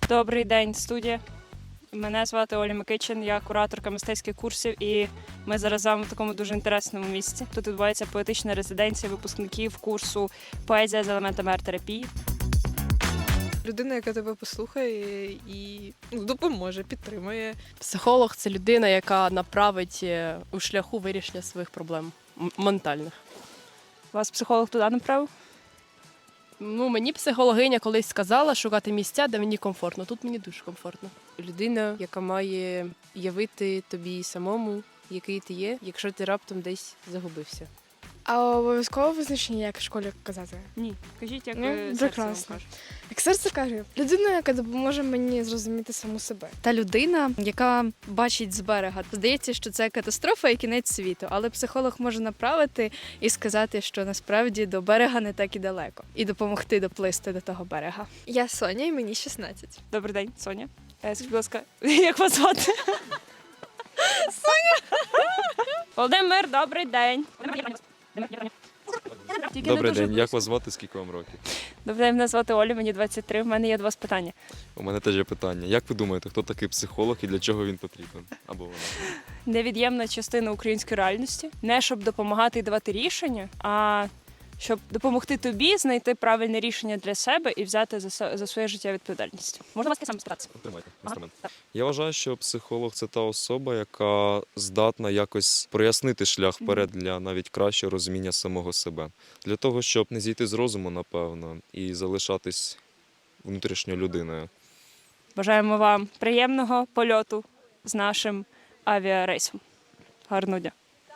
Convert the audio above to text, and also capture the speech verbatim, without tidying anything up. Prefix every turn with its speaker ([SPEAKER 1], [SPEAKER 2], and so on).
[SPEAKER 1] Добрий день, студія. Мене звати Оля Микичин, я кураторка мистецьких курсів, і ми зараз з вами в такому дуже інтересному місці. Тут відбувається поетична резиденція випускників курсу «Поезія з елементами арт-терапії».
[SPEAKER 2] Людина, яка тебе послухає і ну, допоможе, підтримує.
[SPEAKER 3] Психолог – це людина, яка направить е, у шляху вирішення своїх проблем м- ментальних.
[SPEAKER 1] Вас психолог туди направив?
[SPEAKER 3] Ну, мені психологиня колись сказала шукати місця, де мені комфортно. Тут мені дуже комфортно.
[SPEAKER 4] Людина, яка має явити тобі самому, який ти є, якщо ти раптом десь загубився.
[SPEAKER 5] А обов'язково визначення, як в школі казати?
[SPEAKER 1] Ні. Кажіть, як
[SPEAKER 5] Ну,
[SPEAKER 1] ви серце вам
[SPEAKER 5] прекрасно.
[SPEAKER 1] каже.
[SPEAKER 5] Як серце каже, людина, яка допоможе мені зрозуміти саму себе.
[SPEAKER 6] Та людина, яка бачить з берега. Здається, що це катастрофа і кінець світу, але психолог може направити і сказати, що насправді до берега не так і далеко, і допомогти доплисти до того берега.
[SPEAKER 5] Я Соня, і мені шістнадцять.
[SPEAKER 1] Добрий день, Соня. Е, Скажіть, будь ласка, як вас звати? Соня! Володимир, добрий день. Тільки не
[SPEAKER 7] Добрий
[SPEAKER 1] дуже
[SPEAKER 7] день, як
[SPEAKER 1] близько.
[SPEAKER 7] вас звати, скільки вам років?
[SPEAKER 1] Добрий день, мене звати Оля, мені двадцять три, в мене є до вас питання.
[SPEAKER 7] У мене теж є питання. Як ви думаєте, хто такий психолог і для чого він потрібен? Або вона?
[SPEAKER 1] Невід'ємна частина української реальності. Не щоб допомагати і давати рішення, а щоб допомогти тобі знайти правильне рішення для себе і взяти за, се- за своє життя відповідальність. Можна вас сам спитатися?
[SPEAKER 7] Тримайте інструмент. Я вважаю, що психолог це та особа, яка здатна якось прояснити шлях вперед для навіть кращого розуміння самого себе. Для того, щоб не зійти з розуму, напевно, і залишатись внутрішньою людиною.
[SPEAKER 1] Бажаємо вам приємного польоту з нашим авіарейсом. Гарного дня.